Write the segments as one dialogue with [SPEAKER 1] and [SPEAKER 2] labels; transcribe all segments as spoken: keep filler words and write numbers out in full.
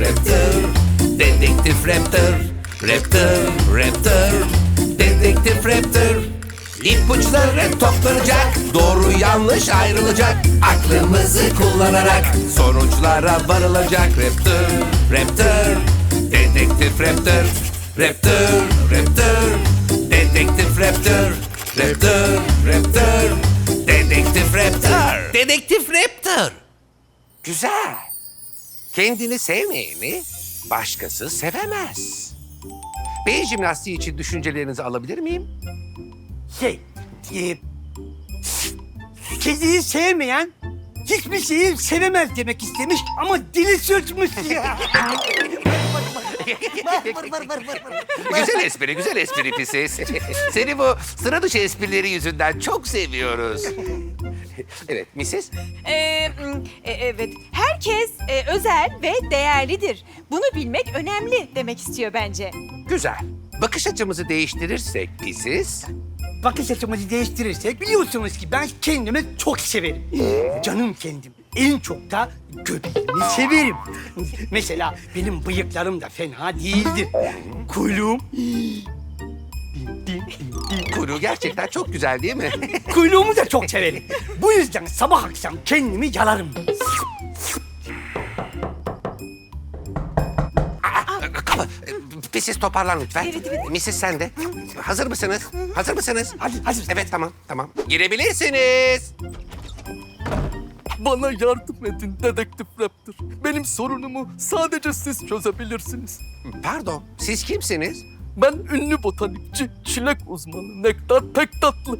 [SPEAKER 1] Raptor, Dedektif Raptor, Raptor, Raptor, Dedektif Raptor. İpuçları toplanacak, doğru yanlış ayrılacak. Aklımızı kullanarak sonuçlara varılacak. Raptor, Raptor, Dedektif Raptor, Raptor, Raptor, Dedektif Raptor, Raptor, Raptor, Dedektif Raptor. Dedektif Raptor. Güzel. Kendini sevmeyeni başkası sevemez. Beyin jimnastiği için düşüncelerinizi alabilir miyim?
[SPEAKER 2] Şey, e, kediyi sevmeyen hiçbir şeyi sevemez demek istemiş ama dili sürtmüş ya.
[SPEAKER 1] Güzel espri, güzel espri pisiz. Seni bu sıra dışı esprileri yüzünden çok seviyoruz. Evet, missis?
[SPEAKER 3] Ee, mm, e, evet, herkes e, özel ve değerlidir. Bunu bilmek önemli demek istiyor bence.
[SPEAKER 1] Güzel. Bakış açımızı değiştirirsek pisiz...
[SPEAKER 2] Bakış açımızı değiştirirsek biliyorsunuz ki ben kendimi çok severim. Canım kendim. En çok da göbeğimi severim. Mesela benim bıyıklarım da fena değildir. Kuyruğum...
[SPEAKER 1] Kuyruğu gerçekten çok güzel değil mi?
[SPEAKER 2] Kuyruğumu da çok severim. Bu yüzden sabah akşam kendimi yalarım.
[SPEAKER 1] Kapı. Pisiz toparlan lütfen.
[SPEAKER 3] Evet, evet.
[SPEAKER 1] missis sen de. Hazır mısınız? Hazır mısınız?
[SPEAKER 2] Hadi, hazır.
[SPEAKER 1] Evet, tamam, tamam. Girebilirsiniz.
[SPEAKER 4] Bana yardım edin Dedektif Raptor. Benim sorunumu sadece siz çözebilirsiniz.
[SPEAKER 1] Pardon, siz kimsiniz?
[SPEAKER 4] Ben ünlü botanikçi, çilek uzmanı Nektar Pektatlı.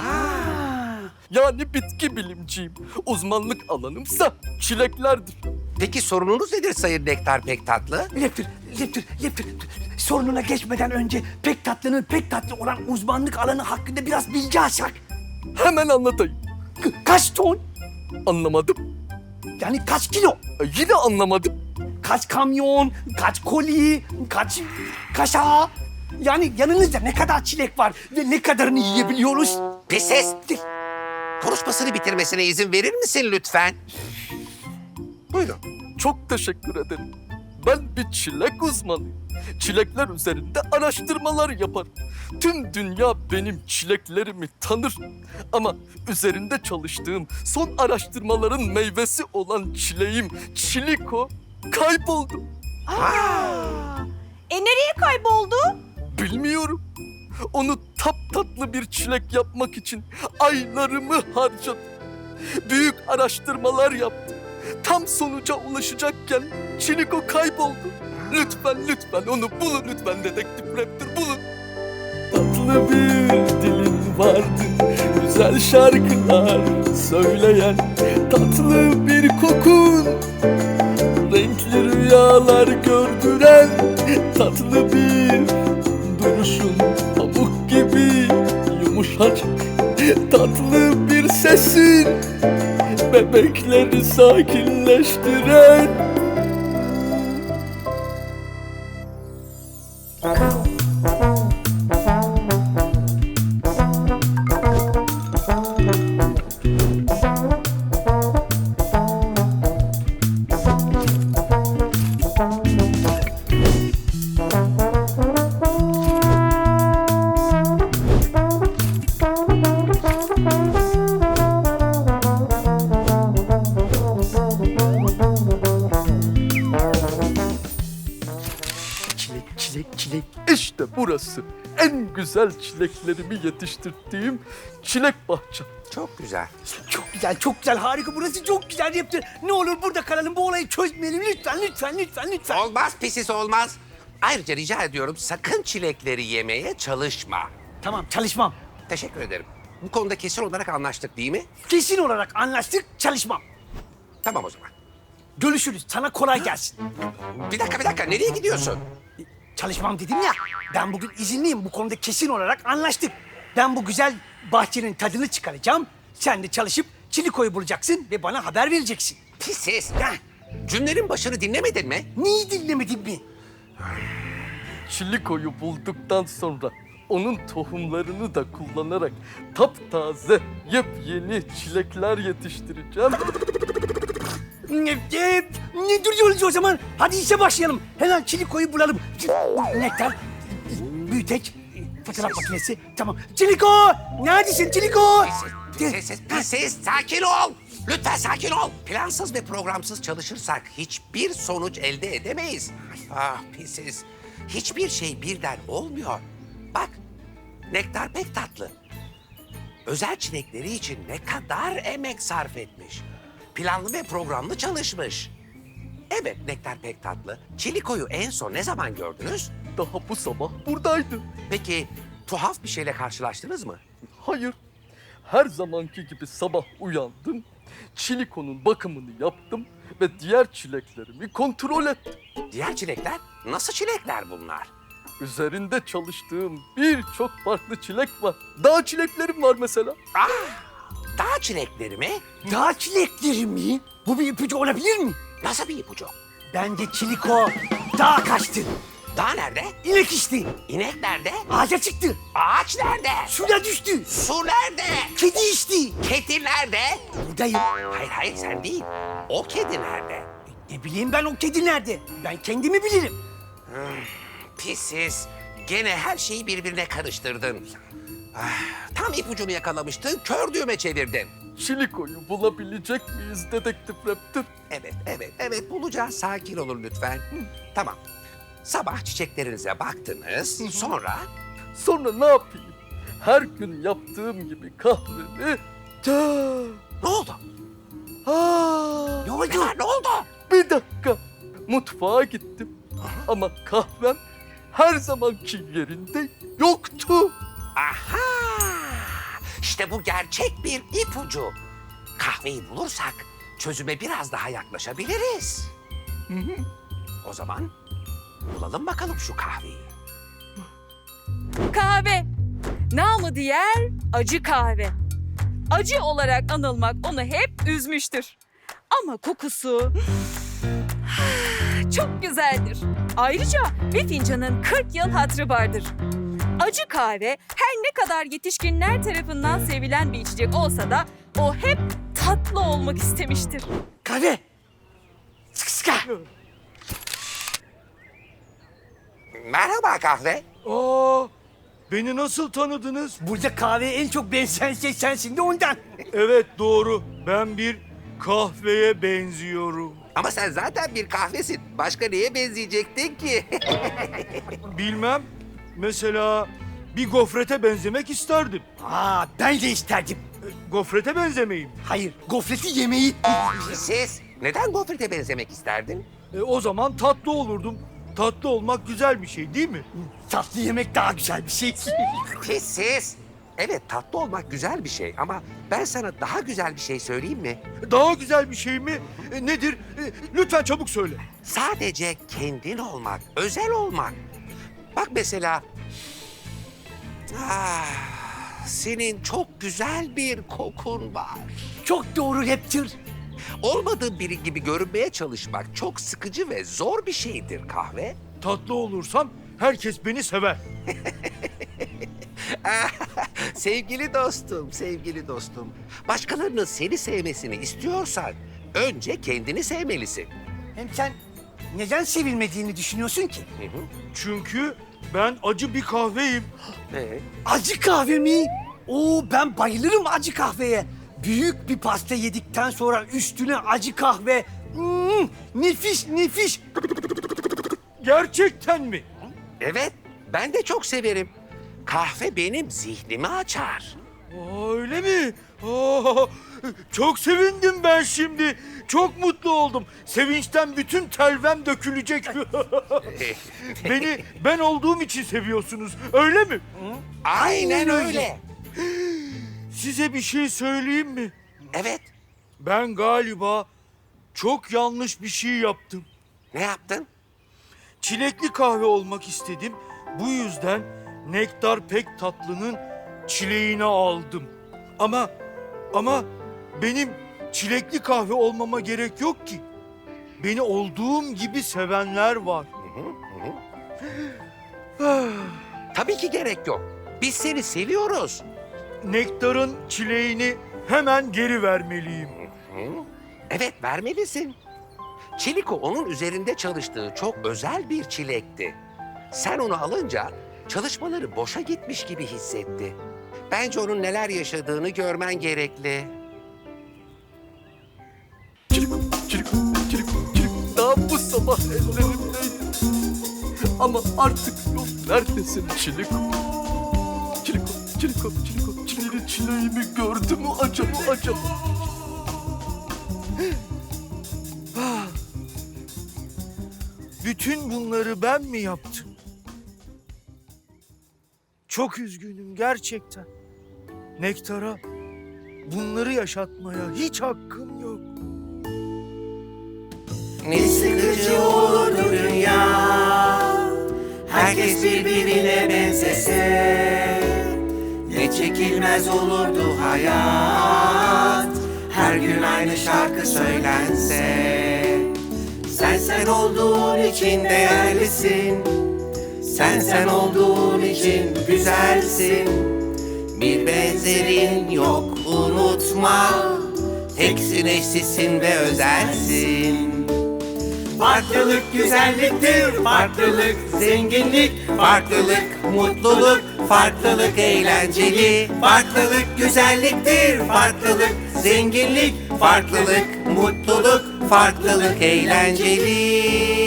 [SPEAKER 4] Yani bitki bilimciyim. Uzmanlık alanımsa çileklerdir.
[SPEAKER 1] Peki sorununuz nedir Sayın Nektar pek tatlı?
[SPEAKER 2] Leptir, leptir, leptir. Sorununa geçmeden önce pek tatlının pek tatlı olan uzmanlık alanı hakkında biraz bilgi alsak.
[SPEAKER 4] Hemen anlatayım.
[SPEAKER 2] Ka- Kaç ton?
[SPEAKER 4] Anlamadım.
[SPEAKER 2] Yani kaç kilo?
[SPEAKER 4] E, Yine anlamadım.
[SPEAKER 2] Kaç kamyon, kaç koli, kaç kaşa? Yani yanınızda ne kadar çilek var ve ne kadarını yiyebiliyoruz?
[SPEAKER 1] Pisiz. Konuşmasını bitirmesine izin verir misin lütfen? Buyurun.
[SPEAKER 4] Çok teşekkür ederim. Ben bir çilek uzmanıyım. Çilekler üzerinde araştırmalar yaparım. Tüm dünya benim çileklerimi tanır. Ama üzerinde çalıştığım son araştırmaların meyvesi olan çileğim Çiliko kayboldu.
[SPEAKER 3] E nereye kayboldu?
[SPEAKER 4] Bilmiyorum. Onu taptatlı bir çilek yapmak için aylarımı harcadım. Büyük araştırmalar yaptım. Tam sonuca ulaşacakken Çiliko kayboldu. Lütfen lütfen onu bulun lütfen Dedektif Raptor bulun. Tatlı bir dilin vardı, güzel şarkılar söyleyen, tatlı bir kokun, renkli rüyalar gördüren, tatlı bir duruşun, pamuk gibi yumuşacık, tatlı bir sesin, bebekleri sakinleştiren. Çilek, çilek, çilek. İşte burası. En güzel çileklerimi yetiştirdiğim çilek bahçem.
[SPEAKER 1] Çok güzel.
[SPEAKER 2] Çok güzel, çok güzel, harika. Burası çok güzel yaptı. Ne olur burada kalalım, bu olayı çözmeyelim. Lütfen, lütfen, lütfen, lütfen.
[SPEAKER 1] Olmaz pisiz olmaz. Ayrıca rica ediyorum sakın çilekleri yemeye çalışma.
[SPEAKER 2] Tamam, çalışmam.
[SPEAKER 1] Teşekkür ederim. Bu konuda kesin olarak anlaştık değil mi?
[SPEAKER 2] Kesin olarak anlaştık, çalışmam.
[SPEAKER 1] Tamam o zaman.
[SPEAKER 2] Görüşürüz, sana kolay gelsin.
[SPEAKER 1] Bir dakika bir dakika nereye gidiyorsun?
[SPEAKER 2] Çalışmam dedim ya, ben bugün izinliyim. Bu konuda kesin olarak anlaştık. Ben bu güzel bahçenin tadını çıkaracağım. Sen de çalışıp Çiliko'yu bulacaksın ve bana haber vereceksin.
[SPEAKER 1] Pisiz.
[SPEAKER 2] Ya,
[SPEAKER 1] Cümlenin başını dinlemedin mi?
[SPEAKER 2] neyi dinlemedin mi?
[SPEAKER 4] Çiliko'yu bulduktan sonra onun tohumlarını da kullanarak taptaze, yepyeni çilekler yetiştireceğim.
[SPEAKER 2] E, ne duruyoruz o zaman? Hadi işe başlayalım. Hemen Çiliko'yu bulalım. Nektar, büyüteç, fotoğraf makinesi. Tamam. Çiliko! Neredesin Çiliko?
[SPEAKER 1] Pisiz, pisiz, sakin ol. Lütfen sakin ol. Plansız ve programsız çalışırsak hiçbir sonuç elde edemeyiz. Ah pisiz, hiçbir şey birden olmuyor. Bak, Nektar pek tatlı. Özel çilekleri için ne kadar emek sarf etmiş. Planlı ve programlı çalışmış. Evet, Nektar pek tatlı. Çiliko'yu en son ne zaman gördünüz?
[SPEAKER 4] Daha bu sabah buradaydı.
[SPEAKER 1] Peki tuhaf bir şeyle karşılaştınız mı?
[SPEAKER 4] Hayır. Her zamanki gibi sabah uyandım. Çiliko'nun bakımını yaptım ve diğer çileklerimi kontrol ettim.
[SPEAKER 1] Diğer çilekler? Nasıl çilekler bunlar?
[SPEAKER 4] Üzerinde çalıştığım birçok farklı çilek var. Dağ çileklerim var mesela.
[SPEAKER 1] Ah, dağ çilekleri mi?
[SPEAKER 2] Dağ çilekleri mi? Bu bir ipucu olabilir mi?
[SPEAKER 1] Nasıl bir ipucu?
[SPEAKER 2] Bence Çiliko dağa kaçtı.
[SPEAKER 1] Dağ nerede?
[SPEAKER 2] İnek içti.
[SPEAKER 1] İnek nerede?
[SPEAKER 2] Ağaca çıktı.
[SPEAKER 1] Ağaç nerede?
[SPEAKER 2] Suya düştü.
[SPEAKER 1] Su nerede?
[SPEAKER 2] Kedi içti.
[SPEAKER 1] Kedi nerede?
[SPEAKER 2] Buradayım.
[SPEAKER 1] Hayır hayır sen değil. O kedi nerede?
[SPEAKER 2] Ne bileyim ben o kedi nerede? Ben kendimi bilirim.
[SPEAKER 1] Pisiz. Gene her şeyi birbirine karıştırdın. Ah, tam ipucunu yakalamıştın, kör düğme çevirdin.
[SPEAKER 4] Çiliko'yu bulabilecek miyiz dedektif Raptor?
[SPEAKER 1] Evet, evet, evet bulacağız. Sakin olun lütfen. Hı, tamam. Sabah çiçeklerinize baktınız, sonra...
[SPEAKER 4] Sonra ne yapayım? Her gün yaptığım gibi kahvemi... Ta...
[SPEAKER 1] Ne oldu?
[SPEAKER 4] Aa,
[SPEAKER 2] Ne oldu?
[SPEAKER 1] Ne var, ne oldu?
[SPEAKER 4] bir dakika. Mutfağa gittim. Ama kahvem her zamanki yerinde yoktu.
[SPEAKER 1] Aha! İşte bu gerçek bir ipucu. Kahveyi bulursak çözüme biraz daha yaklaşabiliriz. O zaman bulalım bakalım şu kahveyi.
[SPEAKER 5] Kahve. Namı diğer acı kahve. Acı olarak anılmak onu hep üzmüştür. Ama kokusu çok güzeldir. Ayrıca bir fincanın kırk yıl hatırı vardır. Acı kahve her ne kadar yetişkinler tarafından sevilen bir içecek olsa da o hep tatlı olmak istemiştir.
[SPEAKER 2] Kahve. Sık sıka.
[SPEAKER 1] Merhaba kahve.
[SPEAKER 6] Aa, beni nasıl tanıdınız?
[SPEAKER 2] Burada kahveye en çok benzeyen şey sensin de ondan.
[SPEAKER 6] Evet doğru. Ben bir kahveye benziyorum.
[SPEAKER 1] Ama sen zaten bir kahvesin. Başka neye benzeyecektin ki?
[SPEAKER 6] Bilmem. Mesela bir gofrete benzemek isterdim.
[SPEAKER 2] Aa, ben de isterdim.
[SPEAKER 6] Gofrete benzemeyim.
[SPEAKER 2] Hayır, gofreti yemeyi.
[SPEAKER 1] Siz neden gofrete benzemek isterdin?
[SPEAKER 6] E, o zaman tatlı olurdum. Tatlı olmak güzel bir şey değil mi?
[SPEAKER 2] Tatlı yemek daha güzel bir şey.
[SPEAKER 1] Pisiz. Evet tatlı olmak güzel bir şey ama ben sana daha güzel bir şey söyleyeyim mi?
[SPEAKER 6] Daha güzel bir şey mi? E, nedir? E, lütfen çabuk söyle.
[SPEAKER 1] Sadece kendin olmak, özel olmak. Bak mesela... Ah, senin çok güzel bir kokun var.
[SPEAKER 2] Çok doğru Raptor.
[SPEAKER 1] Olmadığın biri gibi görünmeye çalışmak çok sıkıcı ve zor bir şeydir kahve.
[SPEAKER 6] Tatlı olursam herkes beni sever.
[SPEAKER 1] Sevgili dostum, sevgili dostum. Başkalarının seni sevmesini istiyorsan önce kendini sevmelisin.
[SPEAKER 2] Hem sen neden sevilmediğini düşünüyorsun ki?
[SPEAKER 6] Çünkü ben acı bir kahveyim.
[SPEAKER 1] Ee,
[SPEAKER 2] Acı kahve mi? Oo, ben bayılırım acı kahveye. Büyük bir pasta yedikten sonra üstüne acı kahve. Hmm, nefis nefis.
[SPEAKER 6] Gerçekten mi?
[SPEAKER 1] evet, ben de çok severim. Kahve benim zihnimi açar.
[SPEAKER 6] Aa, öyle mi? Aa, çok sevindim ben şimdi. Çok mutlu oldum. Sevinçten bütün telvem dökülecek. Beni ben olduğum için seviyorsunuz. Öyle mi?
[SPEAKER 1] Aynen öyle.
[SPEAKER 6] Size bir şey söyleyeyim mi?
[SPEAKER 1] Evet,
[SPEAKER 6] Ben galiba çok yanlış bir şey yaptım.
[SPEAKER 1] ne yaptın?
[SPEAKER 6] Çilekli kahve olmak istedim. Bu yüzden Nektar Pek Tatlı'nın çileğini aldım. Ama ama benim çilekli kahve olmama gerek yok ki. Beni olduğum gibi sevenler var.
[SPEAKER 1] Tabii ki gerek yok. Biz seni seviyoruz.
[SPEAKER 6] Nektarın çileğini hemen geri vermeliyim.
[SPEAKER 1] Evet, vermelisin. Çiliko onun üzerinde çalıştığı çok özel bir çilekti. Sen onu alınca çalışmaları boşa gitmiş gibi hissetti. Bence onun neler yaşadığını görmen gerekli.
[SPEAKER 4] Çiliko, çiliko, çiliko, çiliko. Daha bu sabah ellerimdeydi. Ama artık yok. Neredesin çiliko? Çiliko, çiliko, çiliko. Çileğini, çileğimi gördü mü acaba, acaba?
[SPEAKER 6] Bütün bunları ben mi yaptım? Çok üzgünüm gerçekten. Nektar'a bunları yaşatmaya hiç hakkım yok.
[SPEAKER 1] Ne sıkıcı olurdu dünya, herkes birbirine benzese. Ne çekilmez olurdu hayat, her gün aynı şarkı söylense. Sen sen olduğun için değerlisin, sen sen olduğun için güzelsin. Bir benzerin yok unutma, teksin eşsizsin ve özelsin. Farklılık güzelliktir, farklılık zenginlik, farklılık mutluluk, farklılık eğlenceli. Farklılık güzelliktir, farklılık zenginlik, farklılık mutluluk, farklılık eğlenceli.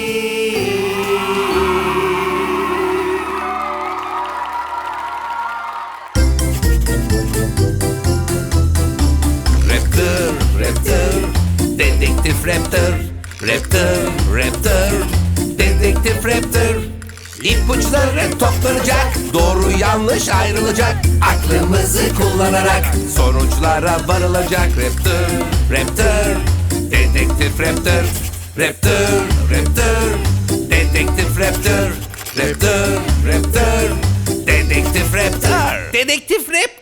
[SPEAKER 1] Raptor, Raptor, Dedektif Raptor. Raptor, Raptor, Dedektif Raptor. İpuçları toplanacak, doğru yanlış ayrılacak. Aklımızı kullanarak sonuçlara varılacak. Raptor, Raptor, Dedektif Raptor. Raptor, Raptor, Dedektif Raptor. Raptor, Raptor, Dedektif Raptor. Dedektif Raptor.